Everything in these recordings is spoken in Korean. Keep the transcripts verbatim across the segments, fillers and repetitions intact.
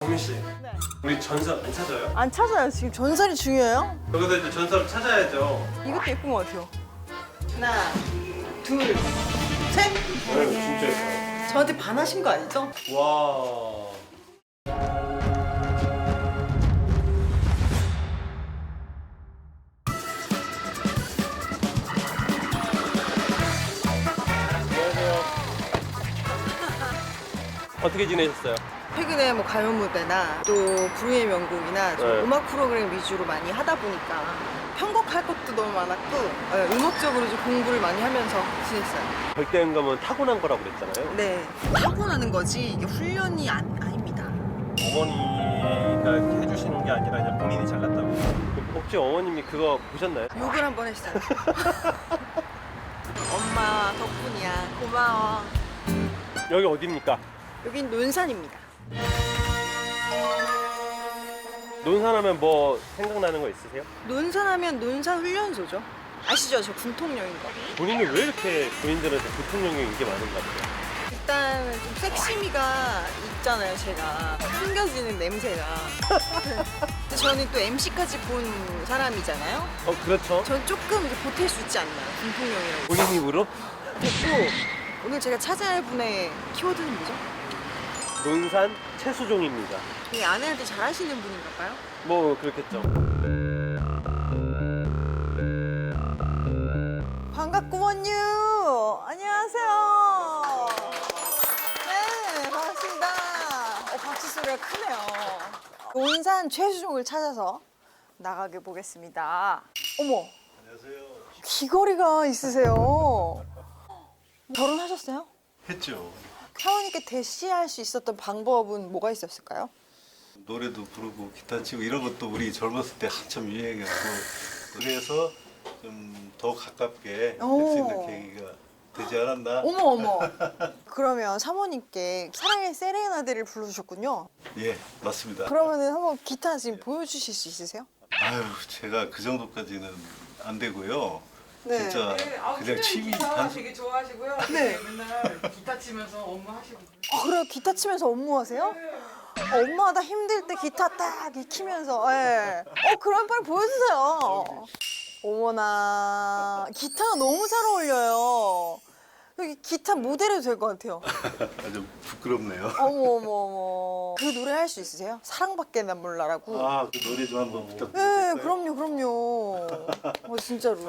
보민 씨, 네. 우리 전설 안 찾아요? 안 찾아요. 지금 전설이 중요해요? 여기서 이제 전설을 찾아야죠. 이것도 예쁜 것 같아요. 하나, 둘, 셋. 네, 진짜 예뻐요. 저한테 반하신 거 아니죠? 와. 안녕하세요. 어떻게 지내셨어요? 최근에 뭐 가요 무대나 또 불후의 명곡이나 좀 네. 음악 프로그램 위주로 많이 하다 보니까 편곡할 것도 너무 많았고 네, 음악적으로 좀 공부를 많이 하면서 지냈어요. 절대음감은 타고난 거라고 그랬잖아요. 네. 타고나는 거지 이게 훈련이 안, 아닙니다. 어머니가 이렇게 해주시는 게 아니라 그냥 본인이 잘났다고. 혹시 어머님이 그거 보셨나요? 욕을 한 번 했어요. 엄마 덕분이야. 고마워. 여기 어디입니까? 여긴 논산입니다. 논산하면 뭐 생각나는 거 있으세요? 논산하면 논산 훈련소죠. 아시죠? 저 군통령인 거. 본인이 왜 이렇게 본인들한테 부통령이 인기 많은가 봐요? 일단 좀 섹시미가 있잖아요, 제가. 숨겨지는 냄새가. 근데 저는 또 엠씨까지 본 사람이잖아요. 어, 그렇죠. 전 조금 이제 보탤 수 있지 않나요? 군통령이라고. 본인 입으로 됐고, 오늘 제가 찾아야 할 분의 키워드는 뭐죠? 논산 최수종입니다. 이 아내한테 잘하시는 분인가 봐요? 뭐 그렇겠죠. 반갑구먼요. 안녕하세요. 네, 반갑습니다. 어, 박수 소리가 크네요. 논산 최수종을 찾아서 나가게 보겠습니다. 어머, 안녕하세요. 귀걸이가 있으세요. 결혼하셨어요? 했죠. 사모님께 대시할 수 있었던 방법은 뭐가 있었을까요? 노래도 부르고 기타 치고 이런 것도 우리 젊었을 때 한참 유행했고 그래서 좀 더 가깝게 할 수 오. 있는 계기가 되지 않았나? 어머 어머. 그러면 사모님께 사랑의 세레나데를 불러주셨군요. 예, 맞습니다. 그러면은 한번 기타 지금 보여주실 수 있으세요? 아유, 제가 그 정도까지는 안 되고요. 네. 진짜 네, 아, 그냥 그냥 취미 기타 단순. 되게 좋아하시고요. 네. 맨날 기타 치면서 업무하시고. 아 그래요? 기타 치면서 업무하세요? 엄마가 힘들 때 기타 딱 익히면서 예. 어 그럼 빨리 보여주세요. 어머나 기타가 너무 잘 어울려요. 여기 기타 모델해도 될 것 같아요. 아주 부끄럽네요. 어머 어머 어머. 그 노래 할 수 있으세요? 사랑밖에 난 몰라라고. 아, 그 노래 좀 한번 네, 부탁드릴까요? 그럼요, 그럼요. 어, 진짜로.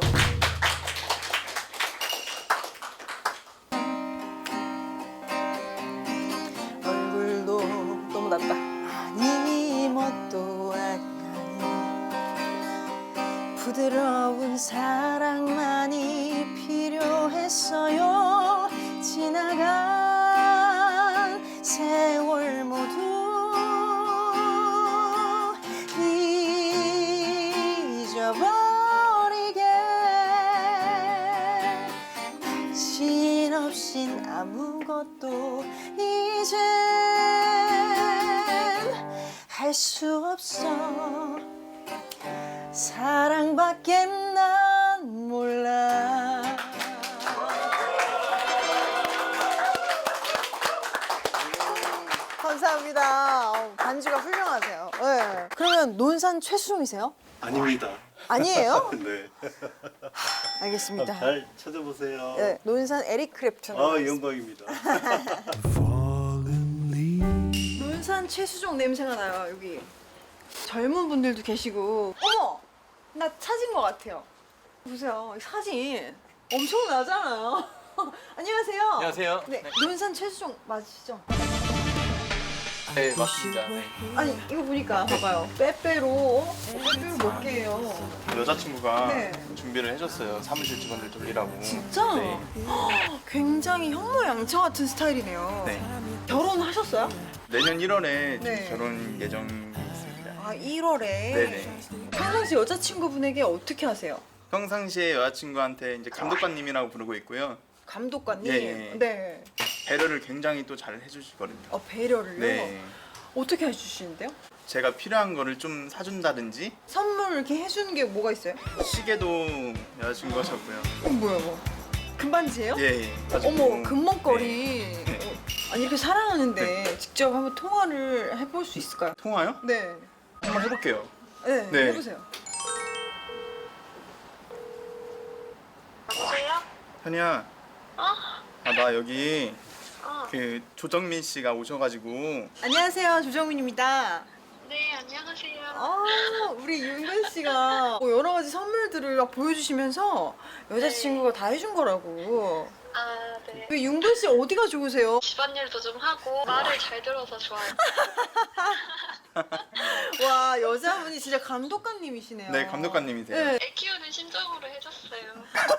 얼굴도 너무 낮다. 아니, 뭣도 아니. 부드러운 사랑만이 필요했어요. 지나간 세월 모두 잊어버리게 당신 없인 아무것도 이젠 할 수 없어 사랑밖에 난 몰라. 감사합니다. 어, 반주가 훌륭하세요. 네. 그러면 논산 최수종이세요? 아닙니다. 아니에요? 네. 알겠습니다. 잘 찾아보세요. 네, 논산 에릭 크랩튼. 아, 영광입니다. 논산 최수종 냄새가 나요, 여기. 젊은 분들도 계시고. 어머! 나 찾은 것 같아요. 보세요, 이 사진. 엄청 나잖아요. 안녕하세요. 안녕하세요. 네, 논산 최수종 맞으시죠? 네, 맞습니다. 네. 아니, 이거 보니까 봐봐요. 빼빼로. 어, 빼빼로 몇 개예요? 여자친구가 네. 준비를 해줬어요. 사무실 직원들 돌리라고. 진짜? 네. 헉, 굉장히 현모양처 같은 스타일이네요. 네. 결혼하셨어요? 내년 일월에 네. 결혼 예정이 있습니다. 아, 일월에. 네네. 평상시 여자친구분에게 어떻게 하세요? 평상시에 여자친구한테 이제 감독관님이라고 부르고 있고요. 감독관님? 예, 예. 네. 배려를 굉장히 또 잘 해주시거든요. 어, 배려를요? 네. 어떻게 해주시는데요? 제가 필요한 거를 좀 사준다든지 선물 이렇게 해주는 게 뭐가 있어요? 시계도 여자친구가 줬고요. 어, 뭐야, 뭐. 금반지예요? 예, 예. 가지고 어머, 금목걸이. 네. 어, 아니 이렇게 사랑하는데 직접 한번 통화를 해볼 수 있을까요? 통화요? 네. 한번 해볼게요. 네, 네. 해보세요. 여보세요? 현이야. 어? 아, 나 여기 어. 그 조정민 씨가 오셔가지고. 안녕하세요, 조정민입니다. 네, 안녕하세요. 아, 우리 윤근 씨가 뭐 여러 가지 선물들을 막 보여주시면서 여자친구가 다 해준 거라고. 아, 네. 왜 윤근 씨 어디가 좋으세요? 집안일도 좀 하고 말을 잘 들어서 좋아요. 와, 여자분이 진짜 감독관님이시네요. 네, 감독관님이세요. 네. 애 키우는 심정으로 해줬어요.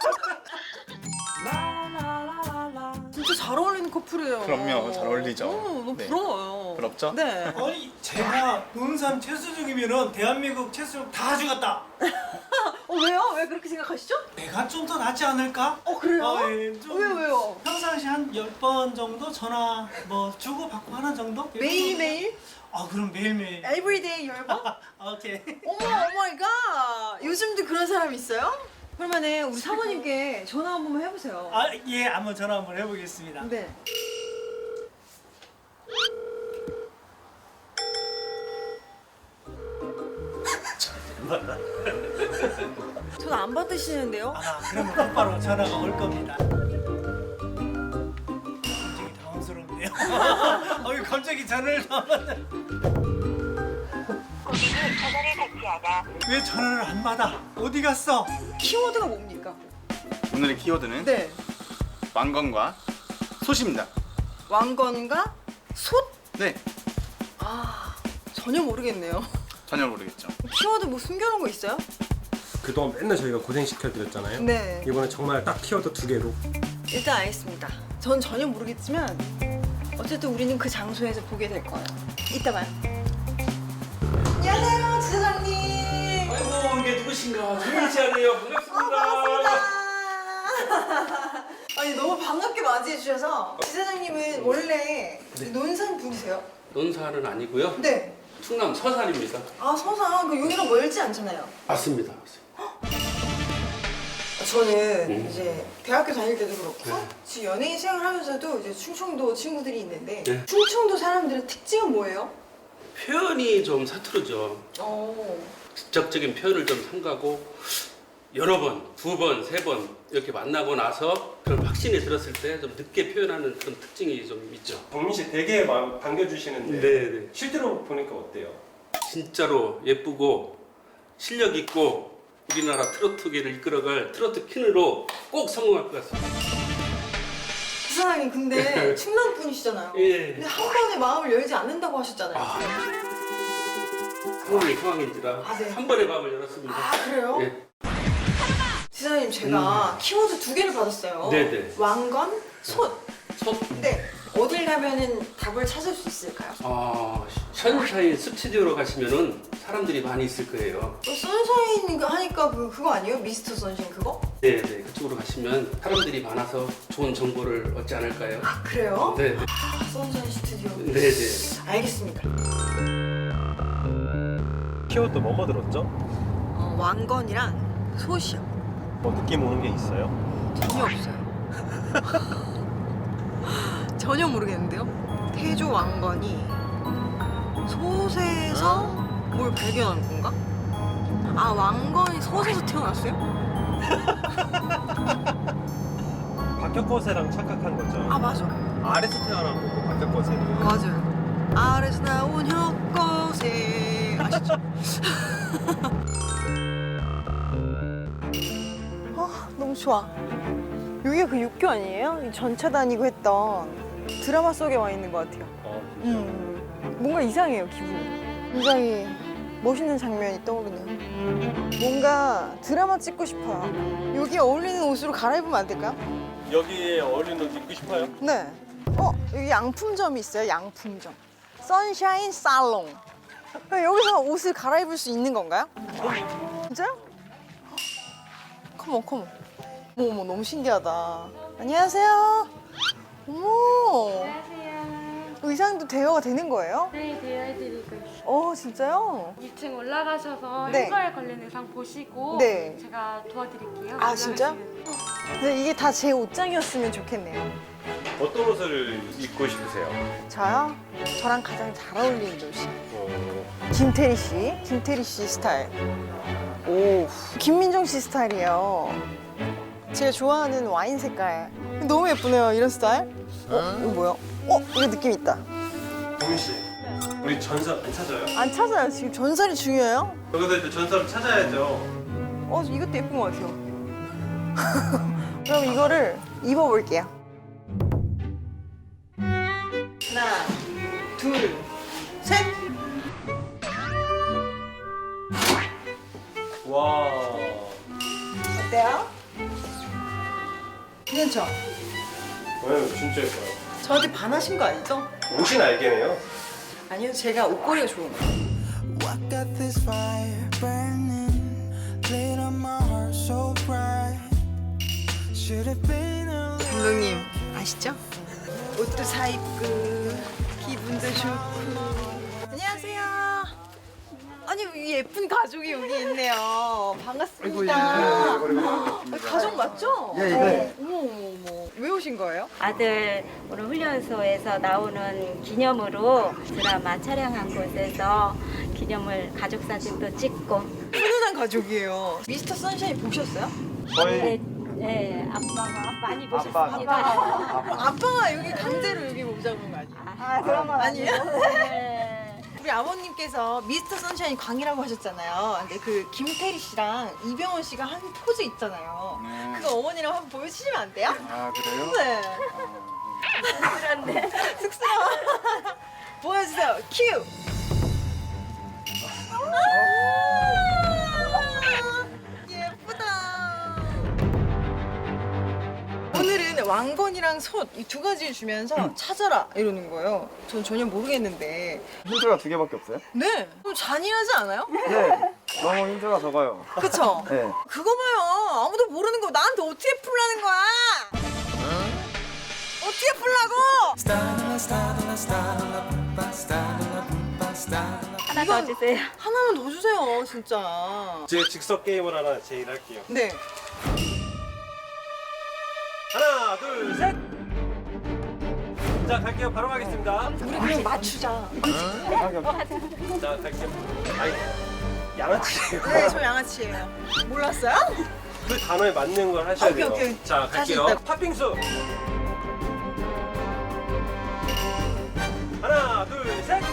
진짜 잘 어울리는 커플이에요. 그럼요, 잘 어울리죠. 어, 너무 네. 부러워요. 부럽죠? 네. 아니 제가 논산 최수중이면은 대한민국 최수중 다 죽었다. 어, 왜요? 왜 그렇게 생각하시죠? 내가 좀 더 낫지 않을까? 어, 그래요? 어, 예, 좀 왜요, 왜요? 평상시 한 열 번 정도 전화 뭐 주고 받고 하는 정도? 매일매일? 아 그럼 매일매일. 에브리데이 열 번? 오케이. 어머, 오마이갓. 요즘도 그런 사람 있어요? 그러면은 우리 사모님께 전화 한 번만 해보세요. 아 예, 한번 전화 한번 해보겠습니다. 네. 전 안 받으시는데요? 아 그러면 곧바로 전화가 올 겁니다. 굉장히 당황스럽네요. 어 갑자기 전화를 받았네. 고객은 전화를 받지 않아. 왜 전화를 안 받아? 어디 갔어? 키워드가 뭡니까? 오늘의 키워드는 네. 왕건과 솥입니다. 왕건과 솥? 네, 아, 전혀 모르겠네요. 전혀 모르겠죠. 키워드 뭐 숨겨놓은 거 있어요? 그동안 맨날 저희가 고생시켜드렸잖아요. 네. 이번에 정말 딱 키워드 두 개로. 일단 알겠습니다. 전 전혀 모르겠지만 어쨌든 우리는 그 장소에서 보게 될 거예요. 이따 봐요. 안녕하세요, 지사장님. 아이고 이게 누구신가? 정민 씨 아니에요? 반갑습니다. 아니 너무 반갑게 맞이해 주셔서 지사장님은 원래 논산 분이세요? 논산은 아니고요. 네. 충남 서산입니다. 아 서산 그 여기랑 멀지 않잖아요. 맞습니다. 저는 음. 이제 대학교 다닐 때도 그렇고 네. 지금 연예인 생활하면서도 이제 충청도 친구들이 있는데 네. 충청도 사람들의 특징은 뭐예요? 표현이 좀 서투르죠. 어. 직접적인 표현을 좀 삼가고 여러 번, 두 번, 세 번 이렇게 만나고 나서 그런 확신이 들었을 때 좀 늦게 표현하는 그런 특징이 좀 있죠. 정민 씨 되게 막 반겨주시는데 네, 실제로 보니까 어때요? 진짜로 예쁘고 실력 있고 우리나라 트로트계를 이끌어갈 트로트 퀸으로 꼭 성공할 것 같습니다. 지사장님 근데 충남 분이시잖아요. 예. 근데 한 번에 마음을 열지 않는다고 하셨잖아요. 아, 상황이 상황인지라 아, 네. 한 번에 마음을 열었습니다. 아, 그래요? 예. 지사장님 제가 키워드 두 개를 받았어요. 네네. 왕건, 솥. 솥. 네. 어딜 가면은 답을 찾을 수 있을까요? 아, 션샤인 스튜디오로 가시면은 사람들이 많이 있을 거예요. 또 선샤인 하니까 그 그거 아니에요? 미스터 선샤인 그거? 네, 네. 그쪽으로 가시면 사람들이 많아서 좋은 정보를 얻지 않을까요? 아 그래요? 네, 네. 아, 선샤인 스튜디오. 네, 네. 알겠습니다. 키워드 뭐뭐 들었죠? 어, 왕건이랑 솥이요. 뭐 느낌 오는 게 있어요? 전혀 없어요. 전혀 모르겠는데요. 태조 왕건이 솥에서 뭘 발견한 건가? 아 왕건이 솥에서 태어났어요? 박혁거세랑 착각한 거죠. 아 맞아. 아래서 태어난 거고 박혁거세는. 맞아요. 아래서 나온 혁거세 아시죠? 아 너무 좋아. 여기가 그 육교 아니에요? 이 전차 다니고 했던 드라마 속에 와 있는 것 같아요. 어, 진짜. 음, 뭔가 이상해요 기분이. 굉장히 멋있는 장면이 떠오르네요. 뭔가 드라마 찍고 싶어요. 여기 어울리는 옷으로 갈아입으면 안 될까요? 여기에 어울리는 옷 입고 싶어요? 네. 어 여기 양품점이 있어요. 양품점. 선샤인 살롱. 여기서 옷을 갈아입을 수 있는 건가요? 진짜요? 컴온 컴온. 어머 어머 너무 신기하다. 안녕하세요. 어머. 안녕하세요. 의상도 대여가 되는 거예요? 네, 대여해드리고 있어요. 어 진짜요? 이 층 올라가셔서 네. 햄버에 걸린 의상 보시고 네. 제가 도와드릴게요. 아, 진짜? 올라가시면. 근데 이게 다 제 옷장이었으면 좋겠네요. 어떤 옷을 입고 싶으세요? 저요? 저랑 가장 잘 어울리는 옷이 어, 김태리 씨, 김태리 씨 스타일. 오, 김민정 씨 스타일이에요. 제가 좋아하는 와인 색깔. 너무 예쁘네요, 이런 스타일. 어, 이거 뭐야? 어, 이거 느낌 있다. 동민 씨, 우리 전설 안 찾아요? 안 찾아요. 지금 전설이 중요해요. 여기서 이제 전설을 찾아야죠. 어, 이것도 예쁜 것 같아요. 그럼 이거를 입어볼게요. 하나, 둘, 셋. 와. 어때요? 괜찮죠? 네, 진짜 예뻐요. 저한테 반하신 거 아니죠? 옷이 날개네요. 아니요, 제가 옷걸이가 좋은 거예요. I got this fire burning, lit on my heart so bright. Should have been a 감독님 아시죠? 옷도 사 입고 기분도 좋고. 안녕하세요. 아니 이 예쁜 가족이 여기 있네요. 반갑습니다. 아, 가족 맞죠? 예, 네. 어머 어머 어머. 왜 오신 거예요? 아들 오늘 훈련소에서 나오는 기념으로 드라마 촬영한 곳에서 기념을 가족 사진도 찍고. 훈훈한 가족이에요. 미스터 선샤인 보셨어요? 네, 네, 아빠가 많이 보셨습니다. 아빠가 여기 강제로 여기 오자고 한 거 아니에요? 아, 그런 건 아니에요? 네. 우리 아버님께서 미스터 선샤인 광이라고 하셨잖아요. 근데 그 김태리 씨랑 이병헌 씨가 한 포즈 있잖아요. 네. 그거 어머니랑 한번 보여주시면 안 돼요? 아 그래요? 네. 그런데 쑥스러워. 보여주세요. 큐. 아, 예쁘다. 오늘은 왕건이랑 솥 이 두 가지를 주면서 찾아라 이러는 거예요. 전 전혀 모르겠는데. 힌트가 두 개밖에 없어요? 네. 좀 잔인하지 않아요? 네. 너무 힌트가 적어요. 그쵸? 네. 그거 봐요. 아무도 모르는 거 나한테 어떻게 풀라는 거야? 어떻게 풀라고? starla, starla, starla, pumpa, starla, pumpa, starla. 하나 더 주세요. 하나만 더 주세요, 진짜. 제가 즉석 게임을 하나 제일할게요. 네. 하나, 둘, 셋. 자, 갈게요. 바로 가겠습니다. 우리 그냥 맞추자. 자, 갈게요. 아이, 양아치예요. 네, 저 양아치예요. 몰랐어요? 그 단어에 맞는 걸 하셔야 오케이, 돼요. 오케이. 자, 자신 갈게요. 있다. 팥빙수. 하나, 둘, 셋.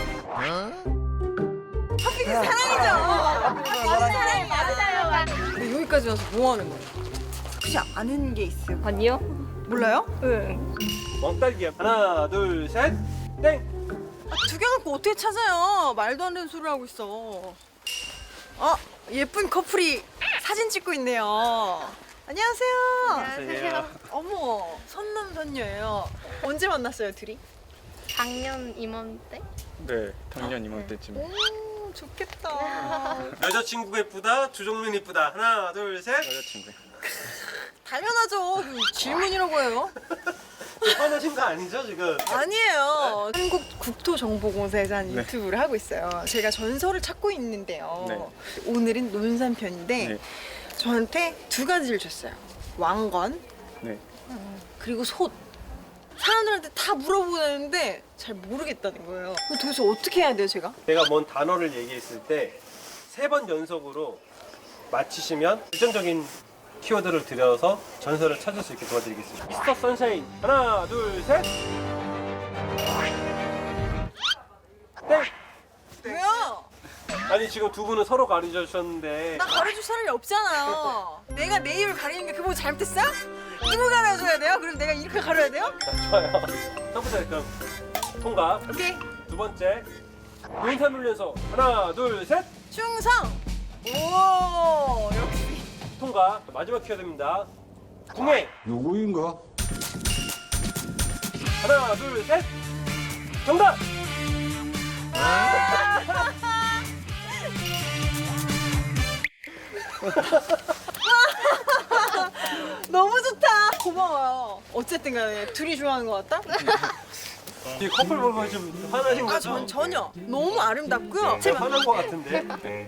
팥빙수 사랑이죠? 팥빙수 사랑이 맞아요. 근데 여기까지 와서 뭐 하는 거예요? 혹시 아는 게 있어요? 언니요? 몰라요? 응. 왕딸기야. 하나, 둘, 셋. 땡. 아, 두 개 갖고 어떻게 찾아요? 말도 안 되는 소리를 하고 있어. 어, 예쁜 커플이 사진 찍고 있네요. 안녕하세요. 안녕하세요. 어머, 선남선녀예요. 언제 만났어요, 둘이? 작년 이맘때? 네, 작년 이맘때쯤. 오, 좋겠다. 여자친구가 예쁘다. 주종민 예쁘다. 하나, 둘, 셋. 여자친구. 당연하죠. 그 질문이라고 해요. 화내신 거 아니죠 지금? 아니에요. 한국 국토정보공사에서 한 네. 유튜브를 하고 있어요. 제가 전설을 찾고 있는데요. 네. 오늘은 논산편인데 네. 저한테 두 가지를 줬어요. 왕건 네. 그리고 솥. 사람들한테 다 물어보는데 잘 모르겠다는 거예요. 그럼 도대체 어떻게 해야 돼요, 제가? 내가 뭔 단어를 얘기했을 때 세 번 연속으로 맞히시면 결정적인 키워드를 들여서 전설을 찾을 수 있게 도와드리겠습니다. 미스터 선샤인 하나 둘 셋. 땡. 왜요? 아니 지금 두 분은 서로 가르쳐주셨는데 나 가르쳐줄 사람이 없잖아요. 내가 내 입을 가리는 게 그거 잘못했어요? 누구 가르쳐줘야 돼요? 그럼 내가 이렇게 가려야 돼요? 자, 좋아요. 첫 번째 그럼 통과. 오케이. 두 번째 논산 훈련소 하나 둘 셋. 충성! 오, 역시. 통과. 마지막 키워드입니다. 궁예 누구인가? 하나 둘 셋. 정답. 너무 좋다. 고마워요. 어쨌든 간에 둘이 좋아하는 것 같다? 이 커플 보고 좀 화나신 거죠? 아, 전 전혀. 너무 아름답고요. 제가 화난 거 같은데.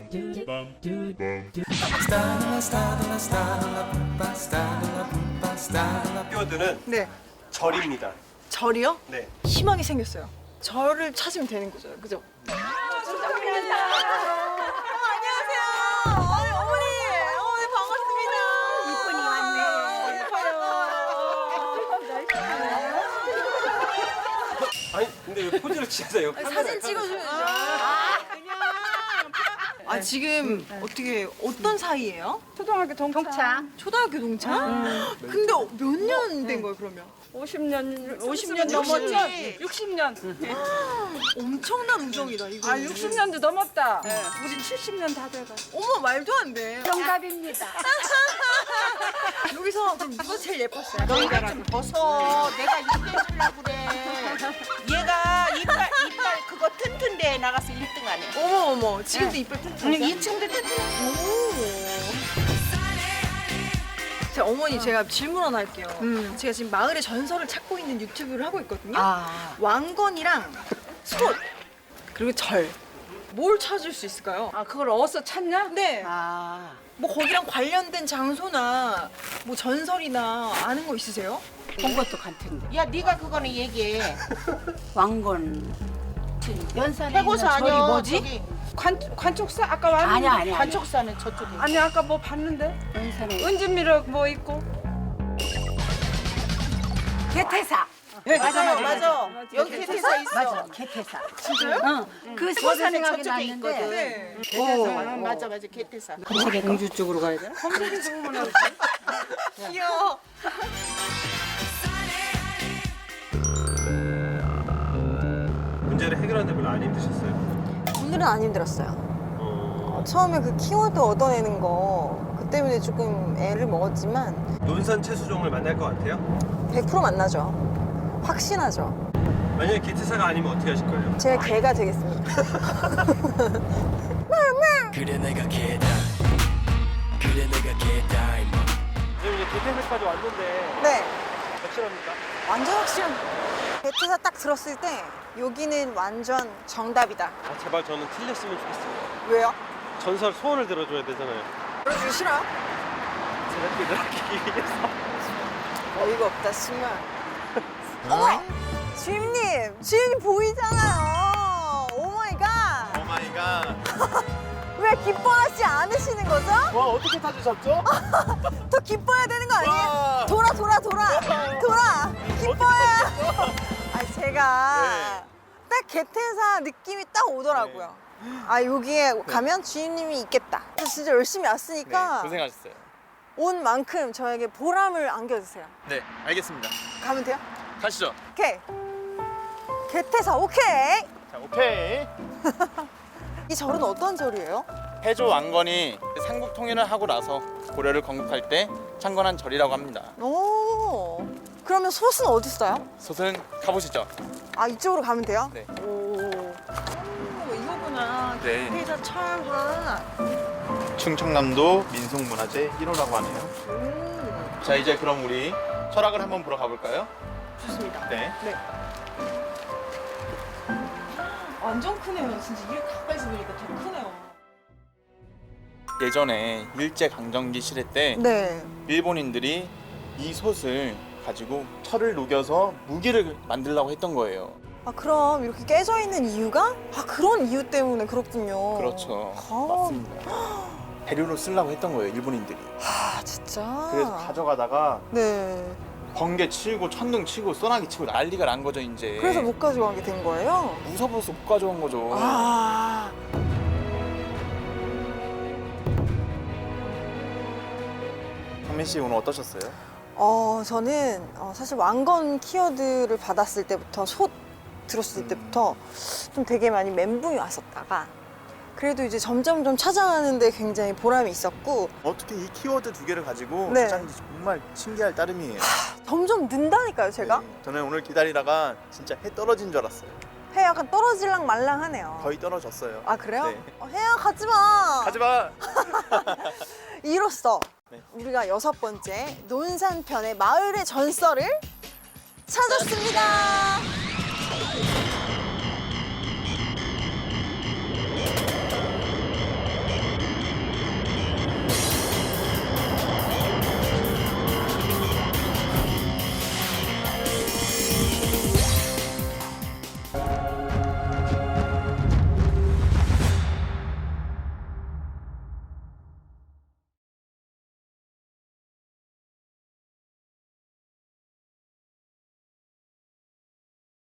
Starla, starla, starla, pumpa, starla, pumpa, starla. 키워드는 네. 절입니다. 절이요? 네. 희망이 생겼어요. 절을 찾으면 되는 거죠, 그죠? 안녕하세요. 어머니, 어머니, 어머니 반갑습니다. 이쁜이 왔네. 아니 근데 왜 포즈를 취하세요? 사진 찍어줘야죠. 아 지금 어떻게 어떤 사이예요? 초등학교 동차. 초등학교 동창? 근데 몇 년 된 거예요 그러면? 오십 년, 오십 오십 년 년 넘었지? 넘었지? 육십 년. 엄청난 우정이다 이거. 아, 육십 년도 넘었다. 우리 칠십 년 다 돼가. 어머 말도 안 돼. 정답입니다. 여기서 그럼 누가 제일 예뻤어요? 너희가 좀 벗어. 내가 이겨주려고 그래. 얘가 이빨 이빨 그거 튼튼대에 나가서 일 등 하네. 어머 어머 지금도 이빨 튼튼해. 이 층도 튼튼해. 제 어머니 제가 질문 하나 할게요. 제가 지금 마을의 전설을 찾고 있는 유튜브를 하고 있거든요. 아. 왕건이랑 솥 그리고 절. 뭘 찾을 수 있을까요? 아, 그걸 어디서 찾냐? 네. 아. 뭐 거기랑 관련된 장소나 뭐 전설이나 아는 거 있으세요? 본 것도 같은데. 야 네가 그거는 얘기해. 왕건. 연산에 해고사 있는 아니야. 저기 뭐지? 저기. 관, 관촉사? 아까 왔는데. 아니야 아니야. 관촉사는 저쪽에. 아니, 아까 뭐 봤는데? 연산에. 은진미로 뭐 있고. 개태사. 맞아 맞아 맞아. 여기 개태사 있어. 맞아, 개태사. 진짜요? 응. 그 서산에 생각이 저쪽에 났는데. 있거든. 네. 개태사. 맞아 맞아 개태사. 공주 쪽으로 가야 돼? 검색이 죽으면 어떡해? 귀여워. 문제를 해결하는데 별로 안 힘드셨어요? 오늘은 안 힘들었어요. 어... 처음에 그 키워드 얻어내는 거 그 때문에 조금 애를 먹었지만 논산 채수종을 만날 것 같아요? 백 퍼센트 만나죠. 확신하죠. 만약에 기트사가 아니면 어떻게 하실 거예요? 제가 개가 되겠습니다. 그래 내가 개다 그래 내가 개다 임마 지금 이제 기트사까지 왔는데 네. 확실합니까? 완전 확실한. 베트사 딱 들었을 때 여기는 완전 정답이다. 아 제발 저는 틀렸으면 좋겠어요. 왜요? 전설 소원을 들어줘야 되잖아요. 들어주기 싫어요? 제가 기다리기 위해서. 어이가 없다 정말. 어머! 주임님! 주임님 보이잖아요. 오마이갓! 오마이갓. 왜 기뻐하지 않으시는 거죠? 와 어떻게 찾으셨죠? 더 기뻐해야 되는 거 아니에요? 와. 돌아 돌아 돌아 돌아 기뻐해요. 아 제가 네. 딱 개태사 느낌이 딱 오더라고요. 아 여기에 가면 주임님이 있겠다. 그래서 진짜 열심히 왔으니까 네, 고생하셨어요. 온 만큼 저에게 보람을 안겨주세요. 네, 알겠습니다. 가면 돼요? 가시죠. 오케이. 개태사 오케이. 자, 오케이. 이 절은 어떤 절이에요? 해조 왕건이 삼국 통일을 하고 나서 고려를 건국할 때 창건한 절이라고 합니다. 오. 그러면 솥은 어디 있어요? 솥은 가보시죠. 아 이쪽으로 가면 돼요? 네. 오. 오 이거구나. 네. 개태사 철화. 충청남도 민속문화재 일 호라고 하네요. 음. 자, 이제 그럼 우리 철학을 한번 보러 가볼까요? 좋습니다. 네. 네. 완전 크네요. 진짜 이렇게 가까이서 보니까 더 크네요. 예전에 일제 강점기 시대 때 네. 일본인들이 이 솥을 가지고 철을 녹여서 무기를 만들려고 했던 거예요. 아 그럼 이렇게 깨져 있는 이유가? 아 그런 이유 때문에 그렇군요. 그렇죠. 아. 맞습니다. 대류로 쓰려고 했던 거예요, 일본인들이. 아 진짜. 그래서 가져가다가 네. 번개 치고 천둥 치고 소나기 치고 난리가 난 거죠, 이제. 그래서 못 가져가게 된 거예요? 무서워서 못 가져온 거죠. 아. 상민 씨 오늘 어떠셨어요? 어 저는 어, 사실 왕건 키워드를 받았을 때부터 솥 들었을 때부터 좀 되게 많이 멘붕이 왔었다가 그래도 이제 점점점 찾아가는데 굉장히 보람이 있었고 어떻게 이 키워드 두 개를 가지고 네. 찾았는지 정말 신기할 따름이에요. 점점 는다니까요 제가. 네, 저는 오늘 기다리다가 진짜 해 떨어진 줄 알았어요. 해 약간 떨어질랑 말랑하네요. 거의 떨어졌어요. 아 그래요? 네. 어, 해야 가지 마. 가지 마. 이로써 네. 우리가 여섯 번째 논산편의 마을의 전설을 찾았습니다.